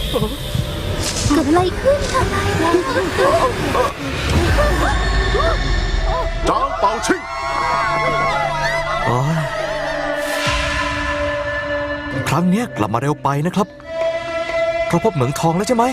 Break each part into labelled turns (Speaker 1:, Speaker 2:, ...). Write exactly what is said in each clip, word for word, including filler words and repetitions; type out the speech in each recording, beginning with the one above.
Speaker 1: เกิดอะไรขึ้นอะไรแล้ว
Speaker 2: จางเป่าชิง
Speaker 3: โอ้ยครั้งเนี้ยกลับมาเร็วไปนะครับเพราะพบเหมืองทองแล้วใช่ไหม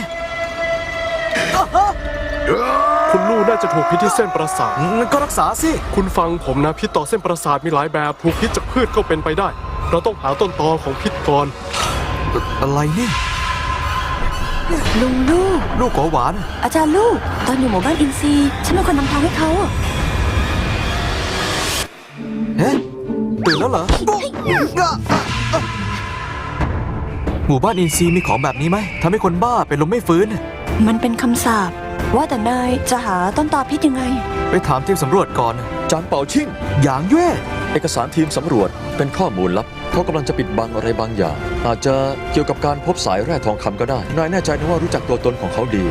Speaker 2: คุณลู่น่าจะถูกพิษที่เส้นประสาท
Speaker 3: งั้นก็รักษาสิ
Speaker 2: คุณฟังผมนะพิษต่อเส้นประสาทมีหลายแบบถูกพิษจากพืชก็เป็นไปได้ เราต้องหาต้นตอของพิษก่อน
Speaker 3: อะไรนี่
Speaker 1: ลุงลูก
Speaker 3: ลูกหัวหวาน
Speaker 1: อาจารย์ลูกตอนอยู่หมู่บ้านอินซีฉันเป็นคนนำทางให้เขา
Speaker 3: เฮ้ตื่นแล้วเหรอหมู่บ้านอินซีมีของแบบนี้ไหมทำให้คนบ้าเป็นลมไม่ฟื้น
Speaker 1: มันเป็นคำสาปว่าแต่นายจะหาต้นตอพิษยังไง
Speaker 3: ไปถามทีมสำรวจก่อน
Speaker 4: จางเป่าชิ่ง
Speaker 3: หยางเย่
Speaker 4: เอกสารทีมสำรวจเป็นข้อมูลลับเขากำลังจะปิดบังอะไรบางอย่าง อาจจะเกี่ยวกับการพบสายแร่ทองคำก็ได้นายแน่ใจนะว่ารู้จักตัวตนของเขาดี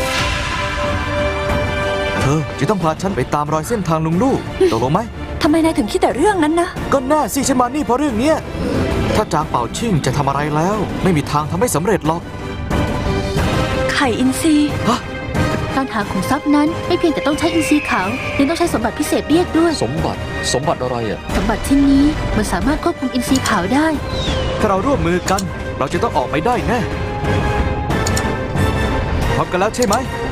Speaker 3: เธอจะต้องพาฉันไปตามรอยเส้นทางลุงลู่ตกลงไหม
Speaker 1: ทำไมนายถึงคิดแต่เรื่องนั้นนะ
Speaker 3: ก็แน่สิฉันมานี่เพราะเรื่องเนี้ยถ้าจางเป่าชิ่งจะทำอะไรแล้ว ไม่มีทางทำให้สำเร็จหรอก
Speaker 1: ไข่อินซี
Speaker 3: ฮะ
Speaker 1: การหาขุมทรัพย์นั้นไม่เพียงแต่ต้องใช้อินทรีย์ขาวยังต้องใช้สมบัติพิเศษเรียกด้วย
Speaker 4: สมบัติสมบัติอะไรอ่ะ
Speaker 1: สมบัติชิ้นนี้มันสามารถควบคุมอินทรีย์ขาวได้
Speaker 3: ถ้าเราร่วมมือกัน เราจะต้องออกไปได้แน่พร้อมกันแล้วใช่ไหม